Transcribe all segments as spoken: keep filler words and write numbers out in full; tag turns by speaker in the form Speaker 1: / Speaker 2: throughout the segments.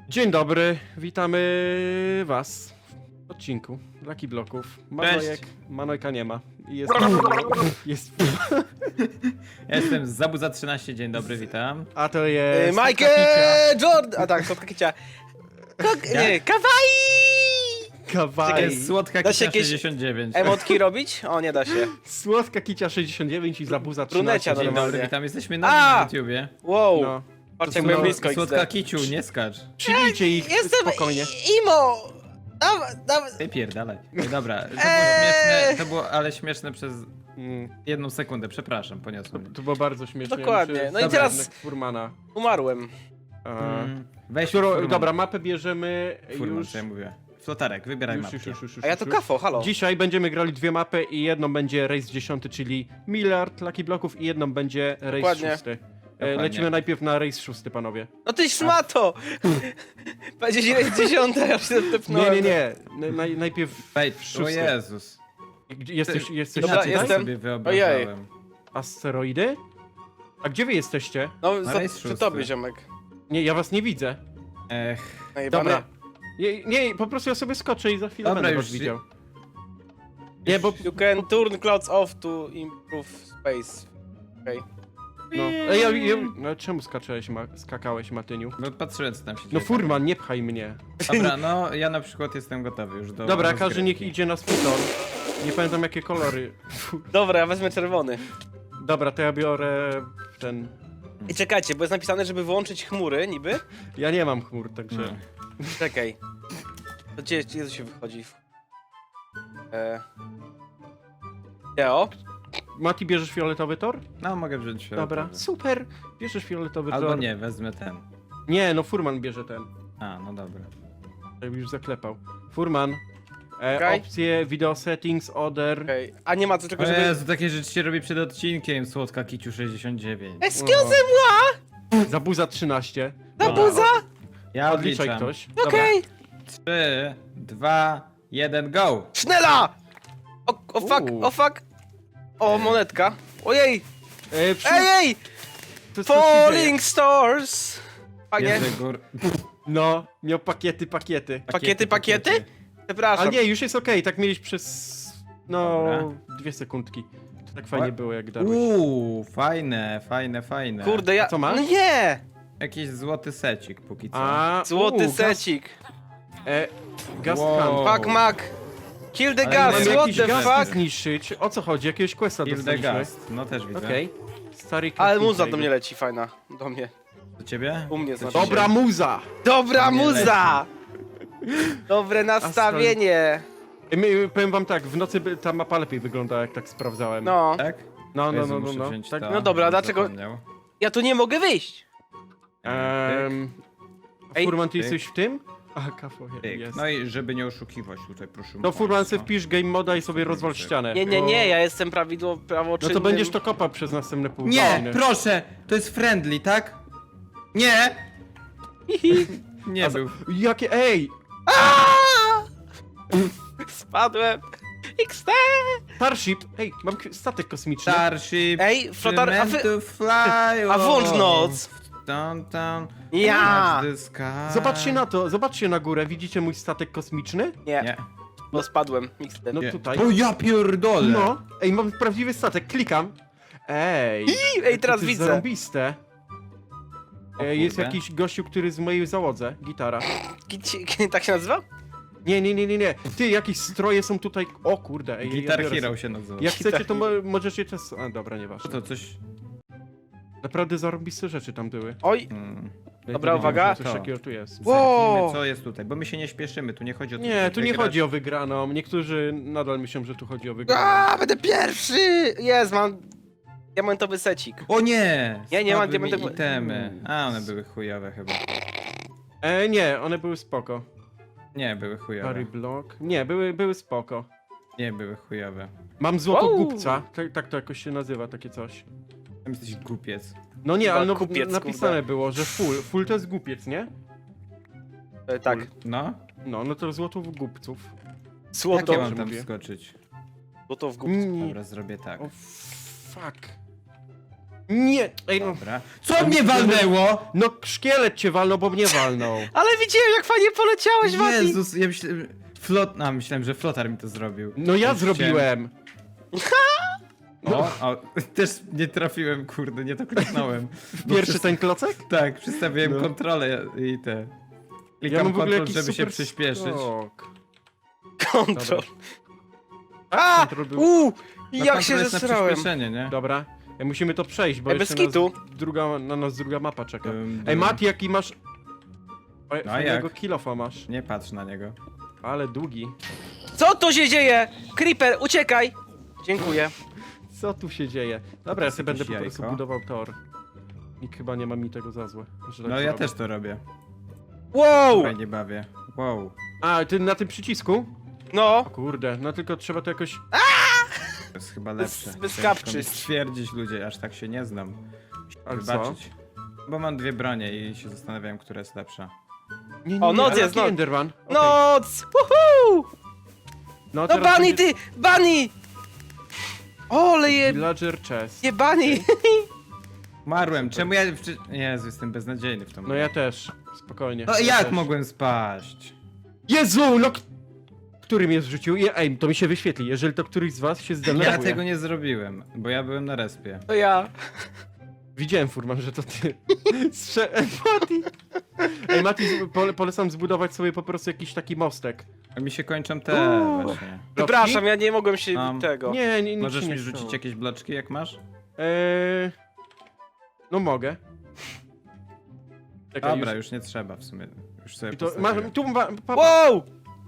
Speaker 1: Dzień dobry, witamy was w odcinku Lucky Bloków. Manojek, Manojka nie ma. I Jest, jest,
Speaker 2: Ja jestem z Zabuza trzynaście, dzień dobry, witam.
Speaker 1: a to jest...
Speaker 3: Michael Jordan! A tak, słodka kicia. Kok... Nie, kawaii!
Speaker 2: To
Speaker 1: Kawaii.
Speaker 2: jest słodka
Speaker 3: Da się
Speaker 2: kicia
Speaker 3: jakieś
Speaker 2: sześćdziesiąt dziewięć.
Speaker 3: Emotki robić? O, nie da się.
Speaker 1: Słodka kicia sześćdziesiąt dziewięć i zabuza
Speaker 3: Brunecia
Speaker 1: trzynaście.
Speaker 2: Dzień
Speaker 3: normalnie.
Speaker 2: dobry, witam, jesteśmy na,
Speaker 3: A!
Speaker 2: na YouTubie.
Speaker 3: Wow,
Speaker 1: No.
Speaker 3: patrz
Speaker 1: To
Speaker 3: jak
Speaker 1: są-
Speaker 3: byłem blisko
Speaker 2: Słodka
Speaker 3: X D.
Speaker 2: kiciu, nie skacz.
Speaker 1: Przybijcie ich
Speaker 3: Jestem
Speaker 1: spokojnie.
Speaker 3: i- imo! Dawaj, dawaj.
Speaker 2: Ty pierdalaj. Dobra, to było
Speaker 3: Eee!
Speaker 2: śmieszne, to było, ale śmieszne przez
Speaker 1: Mm,
Speaker 2: jedną sekundę, przepraszam,
Speaker 1: to,
Speaker 2: poniosłem.
Speaker 1: to było bardzo śmieszne.
Speaker 3: Dokładnie.
Speaker 1: Muszę
Speaker 3: No i
Speaker 1: zabrać
Speaker 3: teraz-
Speaker 1: jednak Furmana.
Speaker 3: Umarłem.
Speaker 1: A,
Speaker 2: Mm, Weź
Speaker 1: którą,
Speaker 2: Furman.
Speaker 1: dobra, mapę bierzemy
Speaker 2: Furman,
Speaker 1: już...
Speaker 2: co ja mówię. Flotarek, wybieraj
Speaker 1: Już,
Speaker 2: mapkę.
Speaker 1: już, już, już, już,
Speaker 3: A ja to
Speaker 1: już.
Speaker 3: kafo, halo.
Speaker 1: Dzisiaj będziemy grali dwie mapy i jedną będzie Race dziesiąty, czyli miliard Lucky Bloków i jedną będzie Race
Speaker 3: Dokładnie.
Speaker 1: szósty. E,
Speaker 2: Dokładnie.
Speaker 1: Lecimy najpierw na Race szósty, panowie.
Speaker 3: No ty szmato! Będzie dziewięć dziesiąta, ja się
Speaker 1: Nie,
Speaker 3: tepnąłem.
Speaker 1: nie, nie. N- Naj, najpierw
Speaker 2: Wejdź, o
Speaker 1: szósty.
Speaker 2: Jezus.
Speaker 1: Gdzie- Jesteś, jesteś
Speaker 3: Dobra,
Speaker 1: tutaj?
Speaker 3: jestem.
Speaker 2: sobie wyobrażałem.
Speaker 1: Asteroidy? A gdzie wy jesteście?
Speaker 3: No,
Speaker 2: Na
Speaker 3: za,
Speaker 2: rejs
Speaker 3: przy
Speaker 2: szósty.
Speaker 3: tobie, ziomek.
Speaker 1: Nie, ja was nie widzę.
Speaker 2: Ech,
Speaker 3: Najebane.
Speaker 1: Dobra. Nie, nie, po prostu ja sobie skoczę i za chwilę
Speaker 2: Dobra,
Speaker 1: będę
Speaker 2: już
Speaker 1: was
Speaker 2: się-
Speaker 1: widział. Nie, bo...
Speaker 3: You can turn clouds off to improve space. Okej.
Speaker 1: No, Ej, ja, ja, no czemu skaczałeś, ma, skakałeś, Matyniu?
Speaker 2: no patrzyłem co tam się
Speaker 1: No
Speaker 2: dzieje.
Speaker 1: Furman, nie pchaj mnie.
Speaker 2: Dobra, no ja na przykład jestem gotowy już do
Speaker 1: Dobra,
Speaker 2: rozgrywki.
Speaker 1: każdy niech idzie na swój tor. Nie pamiętam jakie kolory. Fu.
Speaker 3: Dobra, ja wezmę czerwony.
Speaker 1: Dobra, to ja biorę ten...
Speaker 3: I czekajcie, bo jest napisane, żeby wyłączyć chmury, niby.
Speaker 1: Ja nie mam chmur, także...
Speaker 2: No.
Speaker 3: Czekaj. To gdzie, gdzie to się wychodzi? Eee... Deo?
Speaker 1: Mati, bierzesz fioletowy tor?
Speaker 2: No mogę wziąć się.
Speaker 1: Dobra, super. Bierzesz fioletowy
Speaker 2: Albo
Speaker 1: tor.
Speaker 2: nie, wezmę ten.
Speaker 1: Nie, no Furman bierze ten.
Speaker 2: A, no dobra.
Speaker 1: Ja już zaklepał. Furman. E,
Speaker 3: Okej.
Speaker 1: Opcje, video settings, order.
Speaker 3: Okej. A nie ma co tylko,
Speaker 2: O
Speaker 3: żeby...
Speaker 2: Jezu, takie rzeczy się robi przed odcinkiem, słodka kiciu sześćdziesiąt dziewięć.
Speaker 3: Excuse moi!
Speaker 1: Zabuza trzynaście.
Speaker 3: Na
Speaker 2: Dobra.
Speaker 3: buza?
Speaker 2: Ja
Speaker 1: Odliczaj
Speaker 2: odliczam.
Speaker 1: ktoś. Dobra.
Speaker 3: Okej.
Speaker 2: trzy, dwa, jeden, go!
Speaker 3: Sznela! O, o fuck,
Speaker 1: Uuu.
Speaker 3: o fuck. O, monetka. Ojej!
Speaker 1: E, przy...
Speaker 3: Ej, ej!
Speaker 1: to co się dzieje?
Speaker 3: Falling stars! Panie,
Speaker 2: Jerzy gór...
Speaker 1: No, miał pakiety, pakiety.
Speaker 3: Pakiety, pakiety?
Speaker 1: A
Speaker 3: przepraszam.
Speaker 1: nie, już jest okej, tak mieliś przez... No,
Speaker 2: Dobra.
Speaker 1: dwie sekundki. To tak fajnie
Speaker 2: Ła-
Speaker 1: było, jak dałeś.
Speaker 2: Uuu, fajne, fajne, fajne.
Speaker 3: Kurde, ja...
Speaker 1: A co masz?
Speaker 3: No nie!
Speaker 2: Jakiś złoty secik póki co.
Speaker 1: A,
Speaker 3: Złoty
Speaker 1: uu,
Speaker 3: secik.
Speaker 1: Gaz, e, gaz
Speaker 2: Wow.
Speaker 1: can.
Speaker 3: Fuck, Mac. Kill the
Speaker 2: Ale
Speaker 3: gas,
Speaker 2: mamy
Speaker 1: Mamy
Speaker 3: what
Speaker 1: jakiś
Speaker 3: the
Speaker 1: gaz
Speaker 3: fuck?
Speaker 1: zniszczyć. O co chodzi? Jakiegoś questa
Speaker 2: Kill the
Speaker 1: dostaliśmy.
Speaker 2: Gast, no też widzę.
Speaker 1: Okej. Stary
Speaker 3: Ale
Speaker 1: crafting
Speaker 3: muza do
Speaker 1: table.
Speaker 3: mnie leci, fajna. Do mnie.
Speaker 2: Do ciebie?
Speaker 3: U mnie
Speaker 2: Do
Speaker 3: znaczy.
Speaker 2: ciebie.
Speaker 1: Dobra muza!
Speaker 3: Dobra
Speaker 2: Nie
Speaker 3: muza! Dobre nastawienie.
Speaker 1: E, my, powiem wam tak, w nocy by ta mapa lepiej wygląda, jak tak sprawdzałem.
Speaker 3: No.
Speaker 2: Tak?
Speaker 1: no, no,
Speaker 2: Jezu,
Speaker 1: no, no,
Speaker 2: muszę
Speaker 1: no.
Speaker 2: wziąć
Speaker 1: Tak,
Speaker 2: to,
Speaker 3: No dobra,
Speaker 2: bym
Speaker 3: dlaczego-
Speaker 2: zapomniał.
Speaker 3: Ja tu nie mogę wyjść.
Speaker 1: Ehm,
Speaker 3: Ej,
Speaker 1: Furman, ty
Speaker 2: tyk.
Speaker 1: jesteś w tym? Aha, kafo,
Speaker 2: Tyk.
Speaker 1: jest.
Speaker 2: No i żeby nie oszukiwać tutaj, proszę.
Speaker 1: No Furman, se
Speaker 2: państwa.
Speaker 1: wpisz game moda i sobie rozwal
Speaker 2: Tyk.
Speaker 1: ścianę.
Speaker 3: Nie, nie, nie, ja jestem prawidło
Speaker 1: No
Speaker 3: prawoczynnym.
Speaker 1: to będziesz to kopał przez następne pół
Speaker 2: Nie,
Speaker 1: godziny.
Speaker 2: proszę! To jest friendly, tak? Nie! Nie
Speaker 1: A za-
Speaker 2: był.
Speaker 1: Jakie, ej!
Speaker 3: Aaaa! Spadłem. X D!
Speaker 1: Starship! Ej, mam k- statek kosmiczny.
Speaker 2: Starship,
Speaker 3: Ej, flotar- a wy-
Speaker 2: to fly
Speaker 3: A włącz noc.
Speaker 2: Downtown,
Speaker 3: Ja!
Speaker 2: the sky.
Speaker 1: Zobaczcie na to, zobaczcie na górę, widzicie mój statek kosmiczny?
Speaker 3: Nie,
Speaker 2: Nie.
Speaker 3: bo spadłem. X D.
Speaker 1: No
Speaker 2: Nie.
Speaker 1: tutaj.
Speaker 2: O ja pierdolę!
Speaker 1: No, ej, mam prawdziwy statek, klikam. Ej,
Speaker 3: Ej, teraz
Speaker 1: to jest
Speaker 3: widzę.
Speaker 1: zarąbiste.
Speaker 2: O
Speaker 1: E, Jest
Speaker 2: kurde.
Speaker 1: jakiś gościu, który jest w mojej załodze, gitara.
Speaker 3: Kici- Tak się nazywa?
Speaker 1: Nie, nie, nie, nie, nie. Ty, jakieś stroje są tutaj. O kurde, ej,
Speaker 2: Guitar
Speaker 1: ja biorę
Speaker 2: Hero
Speaker 1: sobie.
Speaker 2: się nazywa.
Speaker 1: Jak
Speaker 3: Guitar
Speaker 1: chcecie, to mo
Speaker 3: Hero.
Speaker 1: możecie czas... A, dobra,
Speaker 2: Co
Speaker 1: nieważne.
Speaker 2: to, coś...
Speaker 1: Naprawdę zarąbiste rzeczy tam były.
Speaker 3: Oj,
Speaker 2: Hmm.
Speaker 1: Ja
Speaker 3: Dobra,
Speaker 1: nie wiedziałem,
Speaker 3: uwaga.
Speaker 1: że Coś
Speaker 2: To.
Speaker 1: takiego tu jest.
Speaker 3: Wow.
Speaker 2: Zerknijmy, co jest tutaj, bo my się nie śpieszymy, tu nie chodzi o to,
Speaker 1: Nie,
Speaker 2: żeby
Speaker 1: tu nie
Speaker 2: wygrać.
Speaker 1: chodzi o wygraną. Niektórzy nadal myślą, że tu chodzi o wygraną.
Speaker 3: A, będę pierwszy! Jest, mam diamentowy secik.
Speaker 2: O nie!
Speaker 3: Nie, nie mam
Speaker 2: Spadły mi
Speaker 3: diamentowy-
Speaker 2: itemy. A, one były chujowe chyba.
Speaker 1: E, nie, one były spoko.
Speaker 2: Nie, były chujowe.
Speaker 1: Harry Block. Nie, były, były spoko.
Speaker 2: Nie, były chujowe.
Speaker 1: Mam złoto
Speaker 3: Wow.
Speaker 1: głupca. Tak, tak to jakoś się nazywa, takie coś.
Speaker 2: Tam jesteś głupiec.
Speaker 1: No nie,
Speaker 3: Chyba
Speaker 1: ale no,
Speaker 3: kupiec,
Speaker 1: napisane
Speaker 3: kurde.
Speaker 1: było, że full. Full to jest głupiec, nie?
Speaker 3: E, tak.
Speaker 2: No?
Speaker 1: No, no to złoto w głupców.
Speaker 2: Jak
Speaker 3: Złoto,
Speaker 2: ja mam tam
Speaker 1: mówię.
Speaker 2: wskoczyć?
Speaker 3: złoto w górę.
Speaker 1: Nie.
Speaker 2: Dobra, zrobię tak.
Speaker 1: O, fuck. Nie! Ej, no,
Speaker 2: Dobra. Co mnie walnęło?
Speaker 1: no szkielet cię walnął, bo mnie walnął.
Speaker 3: Ale widziałem, jak fajnie poleciałeś, Mati!
Speaker 2: Jezus, ja myślałem... Flot... A, myślałem, że flotar mi to zrobił.
Speaker 1: No ja
Speaker 2: Już
Speaker 1: zrobiłem.
Speaker 2: chciałem- O, o, też nie trafiłem, kurde, nie to kliknąłem. Bo
Speaker 1: Pierwszy
Speaker 2: przez-
Speaker 1: ten klocek?
Speaker 2: Tak, przystawiłem
Speaker 1: No.
Speaker 2: kontrolę i te...
Speaker 1: Ja
Speaker 2: Klikam
Speaker 1: mam w ogóle
Speaker 2: kontrol,
Speaker 1: jakiś
Speaker 2: żeby się
Speaker 1: super
Speaker 2: przyspieszyć.
Speaker 1: skok.
Speaker 3: Kontrol.
Speaker 1: A!
Speaker 3: A!
Speaker 1: Kontrol był...
Speaker 3: Uuu!
Speaker 2: No,
Speaker 3: Jak
Speaker 2: kontrol
Speaker 3: się
Speaker 2: jest na
Speaker 3: zesrałem.
Speaker 2: przyspieszenie, nie?
Speaker 1: Dobra, Ej, musimy to przejść, bo
Speaker 3: Ej, bez
Speaker 1: jeszcze nas
Speaker 3: kitu.
Speaker 1: druga, na nas druga mapa czeka.
Speaker 2: Dum,
Speaker 1: Ej,
Speaker 2: dum.
Speaker 1: Mati, jaki masz... Oj,
Speaker 2: No
Speaker 1: fajnego
Speaker 2: jak?
Speaker 1: kilofa masz,
Speaker 2: Nie patrz na niego.
Speaker 1: ale długi.
Speaker 3: Co tu się dzieje? Creeper, uciekaj! Dziękuję.
Speaker 1: Co tu się dzieje? Dobra, ja sobie będę po
Speaker 2: jakieś
Speaker 1: prostu
Speaker 2: jajko.
Speaker 1: budował tor. Nikt chyba nie ma mi tego za złe. Że tak
Speaker 2: No
Speaker 1: to
Speaker 2: ja
Speaker 1: robię.
Speaker 2: też to robię.
Speaker 3: Wow!
Speaker 2: Fajnie bawię. Wow.
Speaker 1: A, ty na tym przycisku?
Speaker 3: No,
Speaker 1: Kurde, no tylko trzeba to jakoś...
Speaker 2: To jest chyba lepsze.
Speaker 3: bez
Speaker 2: Ciężko
Speaker 3: kapczy.
Speaker 2: mi stwierdzić, ludzie, aż tak się nie znam.
Speaker 1: Ale
Speaker 2: Wybaczyć. Bo mam dwie bronie i się zastanawiam, która jest lepsza.
Speaker 1: Nie, nie,
Speaker 3: O,
Speaker 1: nie,
Speaker 3: noc
Speaker 1: ale
Speaker 3: jest,
Speaker 1: jaki
Speaker 3: noc.
Speaker 1: Enderman? Okej.
Speaker 3: noc! Woohoo!
Speaker 1: No,
Speaker 3: No
Speaker 1: teraz
Speaker 3: Bunny,
Speaker 1: będzie
Speaker 3: ty! Bunny! Ole je...
Speaker 1: Villager chest.
Speaker 3: je Bunny!
Speaker 2: Umarłem, czemu ja... Wczy... Jezu, jestem beznadziejny w tą
Speaker 1: No ja też, spokojnie.
Speaker 2: No
Speaker 1: ja
Speaker 2: jak
Speaker 1: też.
Speaker 2: mogłem spaść?
Speaker 1: Jezu, no... k- Który mnie zrzucił? Je- Ej, to mi się wyświetli, jeżeli to któryś z was się zdenerwuje.
Speaker 2: Ja tego nie zrobiłem, bo ja byłem na respie.
Speaker 3: To ja.
Speaker 1: Widziałem, Furman, że to ty. Strze... Ej, Mati! Ej, Mati, z- pole, polecam zbudować sobie po prostu jakiś taki mostek.
Speaker 2: A mi się kończą te
Speaker 1: Uuu.
Speaker 2: właśnie.
Speaker 3: Przepraszam, ja nie mogłem się
Speaker 2: Um,
Speaker 3: tego.
Speaker 1: Nie, nie, nic
Speaker 2: Możesz
Speaker 1: się
Speaker 2: mi
Speaker 1: nie
Speaker 2: rzucić
Speaker 1: stało.
Speaker 2: jakieś bloczki, jak masz?
Speaker 1: Eee... No mogę. Czekaj,
Speaker 2: Dobra,
Speaker 1: już...
Speaker 2: już nie trzeba w sumie. Już sobie
Speaker 1: I to, masz,
Speaker 2: postawiłem.
Speaker 1: tu ma, pa, pa.
Speaker 3: Wow!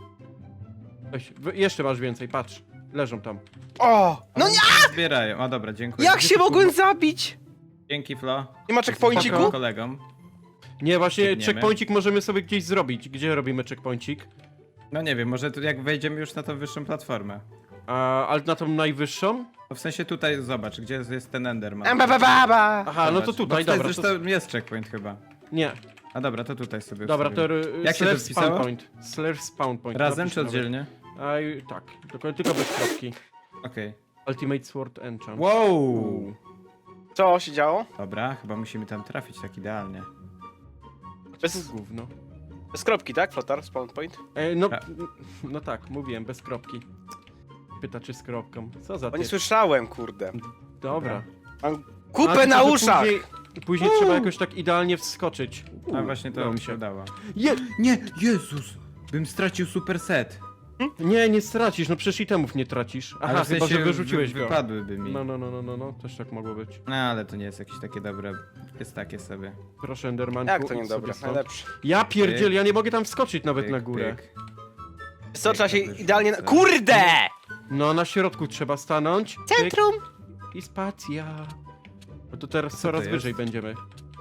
Speaker 1: Weź, wy- jeszcze masz więcej, patrz. Leżą tam.
Speaker 3: O! No
Speaker 2: Oni
Speaker 3: nie!
Speaker 2: się zbierają. O dobra, dziękuję.
Speaker 3: Jak się mogłem zabić?
Speaker 2: Dzięki, Flo.
Speaker 3: Nie ma checkpointiku?
Speaker 2: Jestem kolegą.
Speaker 1: Nie, właśnie
Speaker 2: Biegniemy.
Speaker 1: checkpointik możemy sobie gdzieś zrobić. Gdzie robimy checkpointik?
Speaker 2: No nie wiem, może tu jak wejdziemy już na tą wyższą platformę.
Speaker 1: A, ale na tą najwyższą?
Speaker 2: No w sensie tutaj, zobacz, gdzie jest, jest ten Enderman.
Speaker 3: Em, ba, ba, ba, ba.
Speaker 1: Aha, no to
Speaker 2: Zobacz.
Speaker 1: tutaj,
Speaker 2: Bo
Speaker 1: dobra. To...
Speaker 2: Zresztą jest checkpoint chyba.
Speaker 1: Nie,
Speaker 2: A dobra, to tutaj sobie
Speaker 1: dobra, to
Speaker 2: ustawimy.
Speaker 1: r-
Speaker 2: Jak się to
Speaker 1: slash
Speaker 2: wpisało?
Speaker 1: spawn point. Slash spawn point.
Speaker 2: Razem
Speaker 1: Napisz
Speaker 2: czy
Speaker 1: nawet.
Speaker 2: oddzielnie?
Speaker 1: A, i- tak, tylko, tylko bez kropki.
Speaker 2: Okej.
Speaker 1: Ultimate Sword Enchant.
Speaker 2: Wow!
Speaker 3: Co się działo?
Speaker 2: Dobra, chyba musimy tam trafić tak idealnie.
Speaker 3: Bez,
Speaker 1: To gówno.
Speaker 3: bez kropki, tak? Flotar, spawn point?
Speaker 1: E, no,
Speaker 2: A.
Speaker 1: no tak, mówiłem, bez kropki. Pyta czy z kropką. Co za
Speaker 3: Bo nie
Speaker 1: ty?
Speaker 3: słyszałem, kurde.
Speaker 1: Dobra.
Speaker 3: Mam
Speaker 1: A,
Speaker 3: kupę
Speaker 1: tylko,
Speaker 3: na
Speaker 1: że
Speaker 3: uszach!
Speaker 1: Później, później trzeba jakoś tak idealnie wskoczyć.
Speaker 2: A właśnie to
Speaker 1: udało
Speaker 2: mi
Speaker 1: mi
Speaker 2: się
Speaker 1: się.
Speaker 2: udało.
Speaker 1: Je...
Speaker 2: Nie, Jezus! Bym stracił super set.
Speaker 1: Nie, nie stracisz, no przecież itemów nie tracisz. Aha,
Speaker 2: Ale w
Speaker 1: chyba,
Speaker 2: sensie
Speaker 1: że wyrzuciłeś
Speaker 2: wy,
Speaker 1: go.
Speaker 2: wypadłyby mi.
Speaker 1: No, no, no, no, no, no, też tak mogło być.
Speaker 2: No ale to nie jest jakieś takie dobre. Jest takie sobie.
Speaker 1: Proszę, Endermanku.
Speaker 3: Jak to
Speaker 1: idź
Speaker 3: niedobre?
Speaker 1: sobie stąd.
Speaker 3: Najlepsze.
Speaker 1: Ja pierdziel, ja nie mogę tam wskoczyć nawet
Speaker 2: Pyk,
Speaker 1: na górę.
Speaker 2: pyk.
Speaker 3: Co, trzeba się
Speaker 2: Jak to
Speaker 3: idealnie...
Speaker 2: wyrzucę?
Speaker 3: Kurde!
Speaker 1: No, na środku trzeba stanąć. pyk
Speaker 3: Centrum!
Speaker 1: I spacja. No to teraz
Speaker 2: to
Speaker 1: coraz
Speaker 2: jest?
Speaker 1: wyżej będziemy.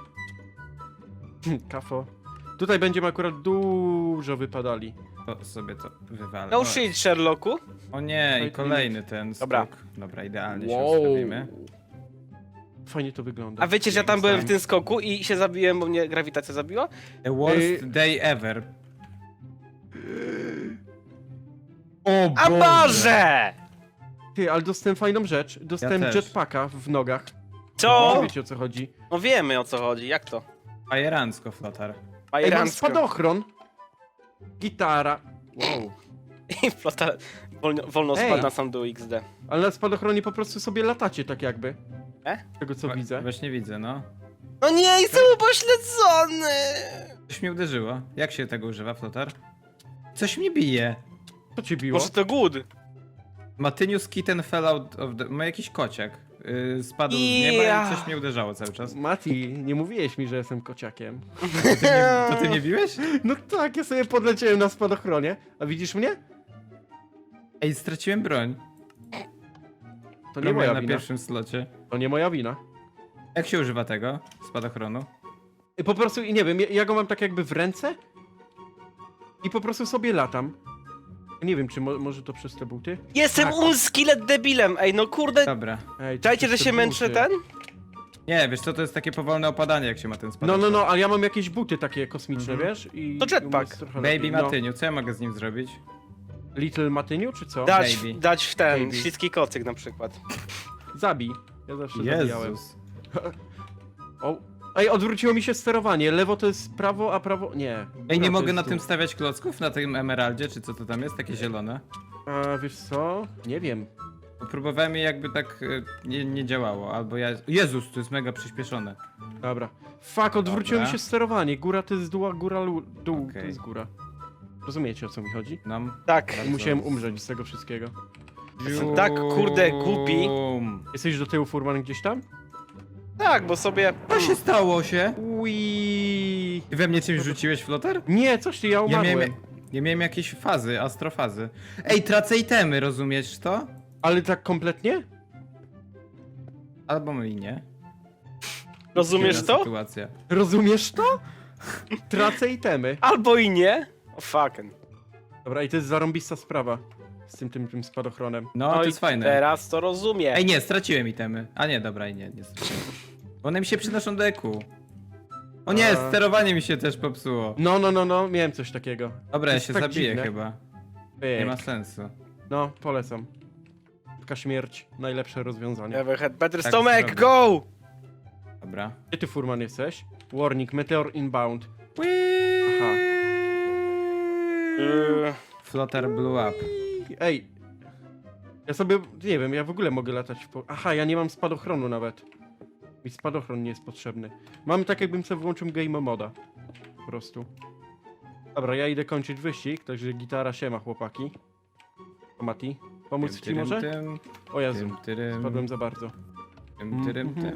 Speaker 1: Kafo. Tutaj będziemy akurat dużo wypadali.
Speaker 2: To sobie to wywalę.
Speaker 3: No
Speaker 2: O,
Speaker 3: shit, Sherlocku.
Speaker 2: O nie, i
Speaker 1: Wait,
Speaker 2: kolejny ten
Speaker 3: Dobra.
Speaker 2: skok. Dobra, idealnie się ustawimy.
Speaker 1: Fajnie to wygląda.
Speaker 3: A wiecie, że ja tam byłem w tym skoku i się zabiłem, bo mnie grawitacja zabiła?
Speaker 2: The worst
Speaker 1: Ej.
Speaker 2: day ever.
Speaker 1: O
Speaker 3: A Boże!
Speaker 1: Ty, ale dostałem fajną rzecz. Dostałem
Speaker 2: też.
Speaker 1: jetpacka w nogach.
Speaker 3: Co?
Speaker 1: Nie wiecie o co chodzi.
Speaker 3: No wiemy o co chodzi, jak to?
Speaker 2: Fajerancko, Flotar.
Speaker 1: Ej, mam
Speaker 3: Bajerancko.
Speaker 1: spadochron. Gitara. Wow.
Speaker 3: I flota wolno, wolno
Speaker 1: Ej.
Speaker 3: spadł na sam dół X D.
Speaker 1: Ale na spadochronie po prostu sobie latacie tak jakby.
Speaker 3: E?
Speaker 1: Z tego co
Speaker 2: Wa-
Speaker 1: widzę.
Speaker 2: Właśnie widzę, no.
Speaker 3: No nie, jestem upośledzony!
Speaker 2: Coś mnie uderzyło. Jak się tego używa, Flotar? Coś mnie bije.
Speaker 1: Co cię biło?
Speaker 3: Może to good?
Speaker 2: Matynius kitten fell out of the... Ma jakiś kociak. Yy, spadł z nieba
Speaker 3: Ja.
Speaker 2: i coś mnie uderzało cały czas.
Speaker 1: Mati, nie mówiłeś mi, że jestem kociakiem.
Speaker 2: To ty mnie, to ty mnie biłeś?
Speaker 1: No tak, ja sobie podleciałem na spadochronie. A widzisz mnie?
Speaker 2: Ej, straciłem broń.
Speaker 1: To nie
Speaker 2: Broń
Speaker 1: moja
Speaker 2: na
Speaker 1: wina.
Speaker 2: pierwszym slocie.
Speaker 1: To nie moja wina.
Speaker 2: Jak się używa tego? Spadochronu?
Speaker 1: I po prostu, i nie wiem, ja, ja go mam tak jakby w ręce i po prostu sobie latam. Nie wiem, czy mo może to przez te buty?
Speaker 3: Jestem
Speaker 1: Tak.
Speaker 3: unskillet debilem, ej no kurde.
Speaker 2: Dobra.
Speaker 1: Ej, to
Speaker 3: Czajcie,
Speaker 1: przez
Speaker 3: że
Speaker 1: te
Speaker 3: się męczę
Speaker 1: buty.
Speaker 3: ten?
Speaker 2: Nie, wiesz co, to jest takie powolne opadanie, jak się ma ten
Speaker 1: No,
Speaker 2: spadochron.
Speaker 1: no, no, ale ja mam jakieś buty takie kosmiczne,
Speaker 2: Mhm.
Speaker 1: wiesz? I
Speaker 3: To jetpack.
Speaker 1: jest trochę
Speaker 2: Baby
Speaker 1: lepiej. No.
Speaker 2: Matyniu, co ja mogę z nim zrobić?
Speaker 1: Little Matyniu, czy co?
Speaker 3: Dać,
Speaker 2: Baby.
Speaker 3: dać w ten,
Speaker 1: Baby.
Speaker 3: śliski kocyk na przykład.
Speaker 1: Zabij. Ja zawsze zabijałem.
Speaker 2: Jezus.
Speaker 1: O. Ej, odwróciło mi się sterowanie. Lewo to jest prawo, a prawo... Nie.
Speaker 2: Ej,
Speaker 1: Góra
Speaker 2: nie
Speaker 1: to
Speaker 2: mogę
Speaker 1: jest
Speaker 2: na
Speaker 1: dół.
Speaker 2: tym stawiać klocków? Na tym emeraldzie, czy co to tam jest? Takie zielone?
Speaker 1: A wiesz co? Nie wiem.
Speaker 2: Bo próbowałem i jakby tak e, nie, nie działało, albo ja... Jezus, to jest mega przyspieszone.
Speaker 1: Dobra. Fuck, odwróciło
Speaker 2: Dobra.
Speaker 1: mi się sterowanie. Góra to jest dół, a góra lu- dół to
Speaker 2: Okej.
Speaker 1: jest góra. Rozumiecie, o co mi chodzi?
Speaker 2: Nam...
Speaker 3: Tak.
Speaker 1: I musiałem umrzeć z tego wszystkiego.
Speaker 3: Jestem tak, kurde, głupi.
Speaker 2: Bum.
Speaker 1: Jesteś do tyłu, Furman, gdzieś tam?
Speaker 3: Tak, bo sobie...
Speaker 2: Co się stało się?
Speaker 1: Ui.
Speaker 2: Ty we mnie czymś rzuciłeś, Flotar?
Speaker 1: Nie, coś ty, ja
Speaker 2: Ja
Speaker 1: umarłem.
Speaker 2: miałem, ja miałem jakieś fazy, astrofazy. Ej, tracę itemy, rozumiesz to?
Speaker 1: Ale tak kompletnie?
Speaker 2: Albo i nie.
Speaker 3: Rozumiesz
Speaker 2: Dziwna
Speaker 3: to?
Speaker 2: Sytuacja.
Speaker 1: Rozumiesz to? Tracę itemy.
Speaker 3: Albo i nie. O fucking.
Speaker 1: Dobra, i to jest zarąbista sprawa. Z tym, tym, tym spadochronem.
Speaker 2: No, to
Speaker 3: i
Speaker 2: jest fajne.
Speaker 3: teraz to rozumiem.
Speaker 2: Ej, nie, straciłem itemy. A nie, dobra, i nie, nie straciłem. One mi się przynoszą do eku. O nie,
Speaker 1: A.
Speaker 2: sterowanie mi się też popsuło.
Speaker 1: No, no, no, no, miałem coś takiego.
Speaker 2: Dobra,
Speaker 1: To
Speaker 2: ja
Speaker 1: jest
Speaker 2: się
Speaker 1: tak
Speaker 2: zabiję
Speaker 1: dziwne.
Speaker 2: chyba.
Speaker 1: Pyk.
Speaker 2: Nie ma sensu.
Speaker 1: No, polecam. Taka śmierć, najlepsze rozwiązanie.
Speaker 3: Never had better
Speaker 2: Tak
Speaker 3: stomach,
Speaker 2: zrobię.
Speaker 3: go!
Speaker 2: Dobra.
Speaker 1: Gdzie ty, Furman, jesteś? Warning, meteor inbound. Aha.
Speaker 3: Yy,
Speaker 2: Flotar blew up.
Speaker 1: Ej. Ja sobie, nie wiem, ja w ogóle mogę latać w po... Aha, ja nie mam spadochronu nawet. Mi spadochron nie jest potrzebny. Mam tak, jakbym sobie włączył game moda. Po prostu. Dobra, ja idę kończyć wyścig, także gitara siema, chłopaki. O, Mati, pomóc ci
Speaker 2: Tym,
Speaker 1: może?
Speaker 2: tym,
Speaker 1: O Jezu,
Speaker 2: tym, tyrym,
Speaker 1: spadłem za bardzo.
Speaker 2: tym, tyrym, tym.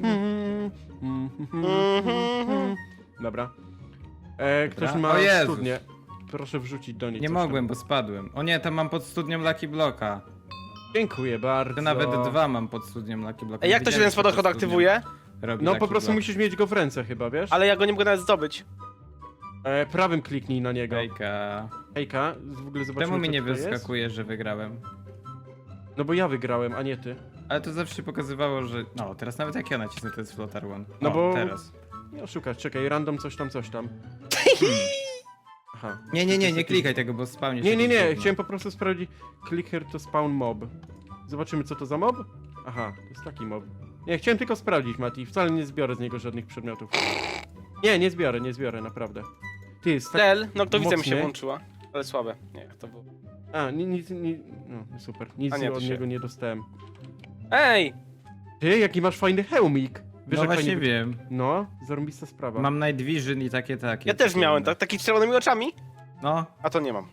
Speaker 1: Dobra. E, ktoś
Speaker 2: Dobra.
Speaker 1: ma
Speaker 2: O Jezus.
Speaker 1: studnię. Proszę wrzucić do niej
Speaker 2: Nie
Speaker 1: coś
Speaker 2: mogłem,
Speaker 1: tam.
Speaker 2: bo spadłem. O nie, tam mam pod studnią Lucky Blocka.
Speaker 1: Dziękuję bardzo.
Speaker 2: To nawet dwa mam pod studnią Lucky Blocka.
Speaker 3: Ej, jak to się ten
Speaker 2: Widziałeś,
Speaker 3: spadochron
Speaker 2: pod studnią
Speaker 3: aktywuje?
Speaker 2: robi
Speaker 1: No
Speaker 2: Lucky
Speaker 1: po prostu
Speaker 2: Block.
Speaker 1: musisz mieć go w ręce chyba, wiesz?
Speaker 3: Ale ja go nie mogę nawet zdobyć.
Speaker 1: E, prawym kliknij na niego.
Speaker 2: Hejka.
Speaker 1: Hejka, w ogóle zobaczymy,
Speaker 2: Czemu mi
Speaker 1: co
Speaker 2: nie
Speaker 1: tutaj jest.
Speaker 2: wyskakuje, że wygrałem?
Speaker 1: No bo ja wygrałem, a nie ty.
Speaker 2: Ale to zawsze pokazywało, że... No, teraz nawet jak ja nacisnę, to jest Flotar One.
Speaker 1: No
Speaker 2: O,
Speaker 1: bo-
Speaker 2: teraz.
Speaker 1: Nie oszukać, czekaj, random coś tam, coś tam. Aha.
Speaker 2: Nie, nie, nie,
Speaker 1: To
Speaker 2: nie
Speaker 1: jest
Speaker 2: klikaj tego, bo spawnie się
Speaker 1: Nie, nie,
Speaker 2: jakieś
Speaker 1: nie,
Speaker 2: gówno.
Speaker 1: chciałem po prostu sprawdzić. Click here to spawn mob. Zobaczymy, co to za mob? Aha, to jest taki mob. Nie, chciałem tylko sprawdzić, Mati. Wcale nie zbiorę z niego żadnych przedmiotów. Nie, nie zbiorę, nie zbiorę, naprawdę. Ty, jest tak...
Speaker 3: Tel, no kto widzę mi się
Speaker 1: mocny.
Speaker 3: włączyła. Ale słabe. Nie, jak to było.
Speaker 1: A, ni- nic, ni... no, super. Nic
Speaker 3: A nie, to
Speaker 1: od
Speaker 3: się-
Speaker 1: niego nie dostałem.
Speaker 3: Ej!
Speaker 1: Ty, jaki masz fajny hełmik. Wiesz,
Speaker 2: No
Speaker 1: jak
Speaker 2: właśnie
Speaker 1: fajnie wy-
Speaker 2: wiem.
Speaker 1: No, zarąbista sprawa.
Speaker 2: Mam Night Vision i takie, takie.
Speaker 3: Ja też
Speaker 2: takie
Speaker 3: miałem
Speaker 2: inne.
Speaker 3: tak, taki z czerwonymi oczami,
Speaker 2: No,
Speaker 3: a to nie mam.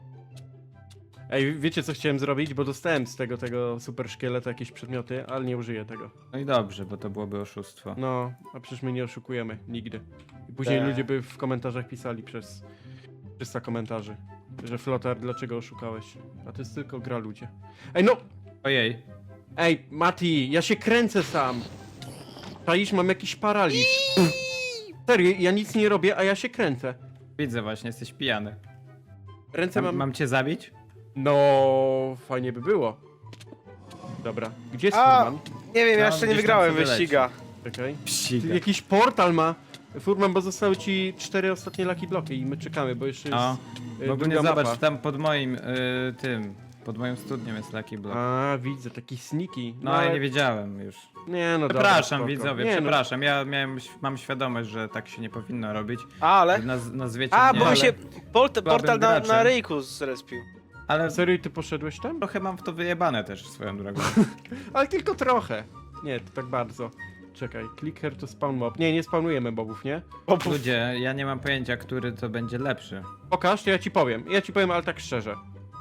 Speaker 1: Ej, wiecie co chciałem zrobić? Bo dostałem z tego, tego super szkieleta jakieś przedmioty, ale nie użyję tego.
Speaker 2: no i dobrze, bo to byłoby oszustwo.
Speaker 1: No, a przecież my nie oszukujemy, nigdy. I później
Speaker 3: Tak.
Speaker 1: ludzie by w komentarzach pisali przez trzysta komentarzy, że Flotar, dlaczego oszukałeś? A to jest tylko gra, ludzie. Ej, no!
Speaker 2: Ojej.
Speaker 1: Ej, Mati, ja się kręcę sam! Czaisz, mam jakiś paraliż. Serio, ja nic nie robię, a ja się kręcę.
Speaker 2: Widzę właśnie, jesteś pijany.
Speaker 1: Ręce
Speaker 2: Mam,
Speaker 1: mam...
Speaker 2: mam cię zabić?
Speaker 1: No, fajnie by było. Dobra, gdzie jest
Speaker 3: A!
Speaker 1: Furman?
Speaker 3: Nie wiem, ja
Speaker 2: No,
Speaker 3: jeszcze nie
Speaker 2: gdzieś tam
Speaker 3: wygrałem
Speaker 2: sobie
Speaker 3: wyściga.
Speaker 1: Czekaj.
Speaker 2: Psiga.
Speaker 1: Jakiś portal ma. Furman, bo zostały ci cztery ostatnie Lucky Bloki i my czekamy, bo jeszcze jest
Speaker 2: No,
Speaker 1: y,
Speaker 2: w ogóle
Speaker 1: druga
Speaker 2: zobacz,
Speaker 1: mapa.
Speaker 2: tam pod moim, y, tym, pod moją studnią jest Lucky Block.
Speaker 1: A, widzę, taki sneaky.
Speaker 2: No, ja nie wiedziałem już.
Speaker 1: Nie, no dobra,
Speaker 2: Przepraszam
Speaker 1: spoko.
Speaker 2: widzowie,
Speaker 1: Nie,
Speaker 2: przepraszam, ja miałem, mam świadomość, że tak się nie powinno robić.
Speaker 3: Ale?
Speaker 2: Naz, nazwiecie
Speaker 3: A,
Speaker 2: mnie,
Speaker 3: bo mi
Speaker 2: ale,
Speaker 3: się port portal na,
Speaker 2: graczem.
Speaker 3: na ryjku zrespił.
Speaker 2: ale
Speaker 1: No, serio, ty poszedłeś tam?
Speaker 2: trochę mam w to wyjebane też swoją drogą.
Speaker 1: Ale tylko trochę. Nie, to tak bardzo. Czekaj, click here to spawn mob. Nie, nie spawnujemy mobów, nie?
Speaker 3: O, puf.
Speaker 2: Ludzie, ja nie mam pojęcia, który to będzie lepszy.
Speaker 1: Pokaż, to ja ci powiem. Ja ci powiem, ale tak szczerze.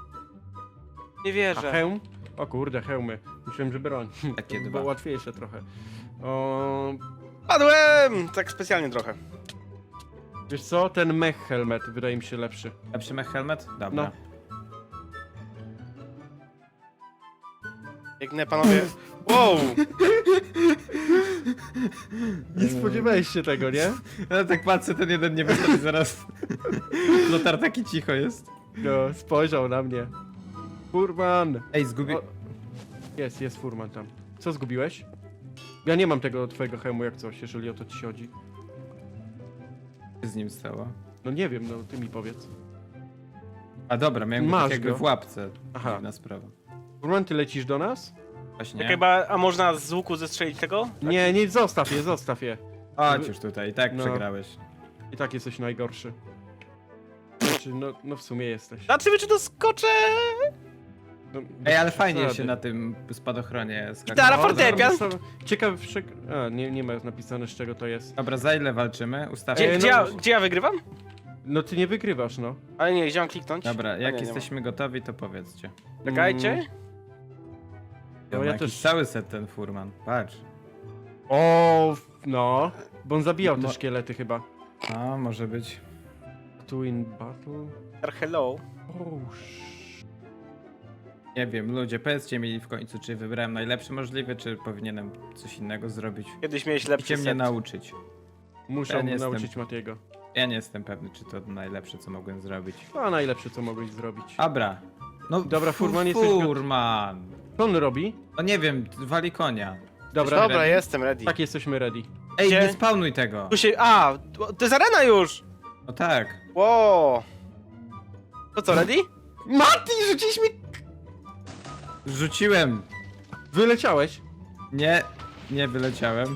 Speaker 3: Nie
Speaker 1: A
Speaker 3: wierzę.
Speaker 1: hełm? O kurde, hełmy. Myślałem, że broń.
Speaker 2: Takie
Speaker 1: To
Speaker 2: dwa.
Speaker 1: było łatwiejsze trochę. O,
Speaker 3: Padłem! Tak specjalnie trochę.
Speaker 1: wiesz co? Ten mech helmet wydaje mi się lepszy.
Speaker 2: Lepszy mech helmet? Dobra.
Speaker 1: No.
Speaker 3: Biegnę, panowie. Wow!
Speaker 1: Nie spodziewałeś się tego, nie?
Speaker 2: Ja tak patrzę, ten jeden nie wychodzi zaraz. Lotar taki cicho jest.
Speaker 1: No, spojrzał na mnie. Furman!
Speaker 2: Ej, zgubi...
Speaker 1: O, jest, jest Furman tam. Co zgubiłeś? Ja nie mam tego twojego hełmu jak coś, jeżeli o to ci chodzi.
Speaker 2: Co z nim stało?
Speaker 1: No nie wiem, no ty mi powiedz.
Speaker 2: A dobra, miałem go
Speaker 1: Masz
Speaker 2: tak jakby
Speaker 1: go.
Speaker 2: w łapce.
Speaker 1: Aha.
Speaker 2: Dziwna sprawa.
Speaker 1: Furman, ty lecisz do nas?
Speaker 2: Właśnie.
Speaker 3: Czekaj, ba- a można z łuku zestrzelić tego?
Speaker 1: Nie, nie, zostaw je, zostaw je.
Speaker 2: Chodź już tutaj, i tak
Speaker 1: No.
Speaker 2: przegrałeś.
Speaker 1: I tak jesteś najgorszy. Znaczy, no, no w sumie jesteś.
Speaker 3: Zobaczymy, czy doskoczę!
Speaker 1: No,
Speaker 2: Ej, ale
Speaker 1: bez
Speaker 2: fajnie
Speaker 1: przesady.
Speaker 2: się na tym spadochronie skakało.
Speaker 3: Gitara,
Speaker 1: O,
Speaker 3: fortepian.
Speaker 1: zaraz sobie- Ciekawe, wszak... A, nie, nie ma napisane, z czego to jest.
Speaker 2: Dobra, za ile walczymy? Ustawmy.
Speaker 3: Gdzie,
Speaker 1: Ej,
Speaker 3: gdzie,
Speaker 1: no-
Speaker 3: ja, gdzie ja wygrywam?
Speaker 1: No ty nie wygrywasz, no.
Speaker 3: Ale nie, gdzie mam kliknąć?
Speaker 2: Dobra,
Speaker 3: A
Speaker 2: jak
Speaker 3: nie, nie
Speaker 2: jesteśmy gotowi, to powiedzcie.
Speaker 3: ma. Czekajcie.
Speaker 1: Mm.
Speaker 2: No,
Speaker 1: ja
Speaker 2: ja jakiś
Speaker 1: też-
Speaker 2: cały set ten furman, patrz.
Speaker 1: O, no. Bo on zabijał te
Speaker 2: Mo-
Speaker 1: szkielety chyba.
Speaker 2: A, może być.
Speaker 1: Two in battle.
Speaker 3: Hello.
Speaker 1: Oh, sh...
Speaker 2: Nie wiem, ludzie, powiedzcie mi w końcu, czy wybrałem najlepszy możliwy, czy powinienem coś innego zrobić.
Speaker 3: Kiedyś miałeś lepszy
Speaker 2: Musicie mnie
Speaker 3: set.
Speaker 2: nauczyć.
Speaker 1: Muszę
Speaker 2: Ja nie jestem-
Speaker 1: nauczyć Matiego.
Speaker 2: Ja nie jestem pewny, czy to najlepsze, co mogłem zrobić.
Speaker 1: A najlepsze, co mogłeś zrobić.
Speaker 2: Abra. No,
Speaker 1: Dobra,
Speaker 2: fu-
Speaker 1: Furman, jesteś got-
Speaker 2: Furman.
Speaker 1: Co on robi?
Speaker 2: No nie wiem, wali konia.
Speaker 1: Dobra,
Speaker 3: Dobra,
Speaker 2: ready?
Speaker 3: jestem ready.
Speaker 1: tak jesteśmy ready.
Speaker 2: Ej,
Speaker 3: Gdzie?
Speaker 2: nie spawnuj tego.
Speaker 3: Tu się... A, to to jest arena już!
Speaker 2: No tak.
Speaker 3: Wow. To co, ready?
Speaker 1: Mati, rzuciłeś mi...
Speaker 2: Rzuciłem.
Speaker 1: Wyleciałeś.
Speaker 2: Nie, nie wyleciałem.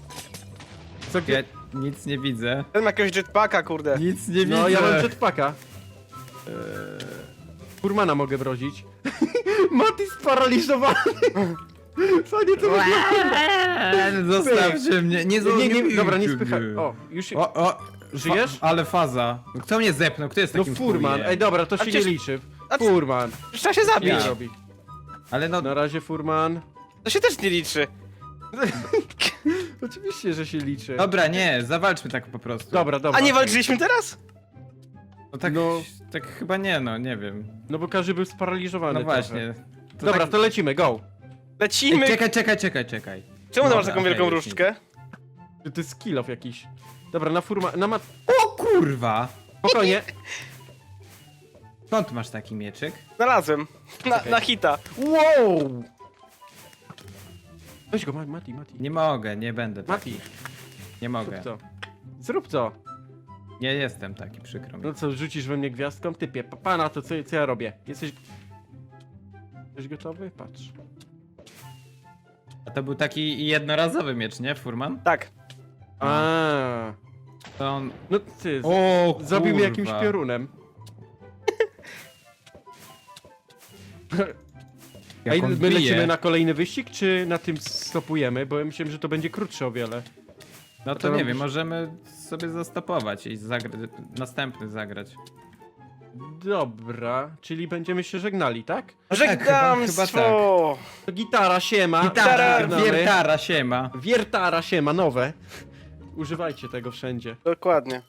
Speaker 1: Co,
Speaker 2: Ja
Speaker 1: gdzie...
Speaker 2: nic nie widzę.
Speaker 3: Ten ma jakiegoś jetpacka, kurde.
Speaker 2: Nic nie widzę.
Speaker 1: No, ja mam jetpacka. Eee... Furmana mogę wrozić. Mati sparaliżowany. Fajnie to wygląda.
Speaker 2: Eee, Zostawcie mnie. Nie,
Speaker 1: Nie, nie, nie, dobra, nie
Speaker 2: spychaj.
Speaker 1: spychaj. O, już się...
Speaker 2: O, o.
Speaker 1: Żyjesz?
Speaker 2: Fa ale faza. Kto mnie zepnął? Kto jest
Speaker 1: No
Speaker 2: takim
Speaker 1: Furman.
Speaker 2: chujem?
Speaker 1: Ej, dobra, to
Speaker 3: A
Speaker 1: się nie
Speaker 3: przecież-
Speaker 1: liczy.
Speaker 3: a c-
Speaker 1: Furman.
Speaker 3: Trzeba się zabić.
Speaker 1: Nie
Speaker 2: Ja.
Speaker 1: robi.
Speaker 2: Ale no,
Speaker 1: Na razie Furman.
Speaker 3: To się też nie liczy.
Speaker 1: Oczywiście, że się liczy.
Speaker 2: dobra, nie, zawalczmy tak po prostu.
Speaker 1: Dobra, dobra.
Speaker 3: A nie walczyliśmy teraz?
Speaker 2: No tak,
Speaker 1: No.
Speaker 2: tak chyba nie, no, nie wiem.
Speaker 1: No bo każdy był sparaliżowany
Speaker 2: No
Speaker 1: trochę.
Speaker 2: właśnie. To
Speaker 1: Dobra,
Speaker 2: tak...
Speaker 1: to lecimy, go.
Speaker 3: Lecimy.
Speaker 2: Ej, czekaj, czekaj, czekaj, czekaj.
Speaker 3: Czemu ty
Speaker 2: Dobra,
Speaker 3: masz taką
Speaker 2: okej,
Speaker 3: wielką
Speaker 2: już
Speaker 3: różdżkę?
Speaker 1: To jest skill off jakiś. Dobra, na Furman... Na mat...
Speaker 2: O kurwa!
Speaker 1: Spokojnie.
Speaker 2: Skąd masz taki mieczyk?
Speaker 3: Znalazłem. Na,
Speaker 1: Okej.
Speaker 3: na hita.
Speaker 1: Wow! Weź go, Ma- Mati, Mati.
Speaker 2: Nie mogę, nie będę taki.
Speaker 1: Mati,
Speaker 2: Nie mogę.
Speaker 1: zrób to. Zrób to.
Speaker 2: Nie jestem taki, przykro mi.
Speaker 1: No co, rzucisz we mnie gwiazdką? Typie, pa- pana, to co, co ja robię? Jesteś... Jesteś gotowy? Patrz.
Speaker 2: A to był taki jednorazowy miecz, nie, Furman?
Speaker 3: Tak.
Speaker 1: A,
Speaker 2: To on...
Speaker 1: no ty, z-
Speaker 2: O
Speaker 1: zabił mnie jakimś piorunem. Ej,
Speaker 2: Jak on
Speaker 1: my
Speaker 2: bije.
Speaker 1: lecimy na kolejny wyścig, czy na tym stopujemy? Bo ja myślałem, że to będzie krótsze o wiele.
Speaker 2: No
Speaker 1: to
Speaker 2: to nie
Speaker 1: robisz-
Speaker 2: wiem, możemy sobie zastopować i zagrać, następny zagrać.
Speaker 1: Dobra, czyli będziemy się żegnali, tak?
Speaker 3: Żegnamstwo.
Speaker 2: chyba
Speaker 1: To gitara, siema.
Speaker 2: Gitara,
Speaker 1: Żegnamy.
Speaker 2: wiertara, siema.
Speaker 1: Wiertara, siema, nowe. Używajcie tego wszędzie.
Speaker 3: Dokładnie.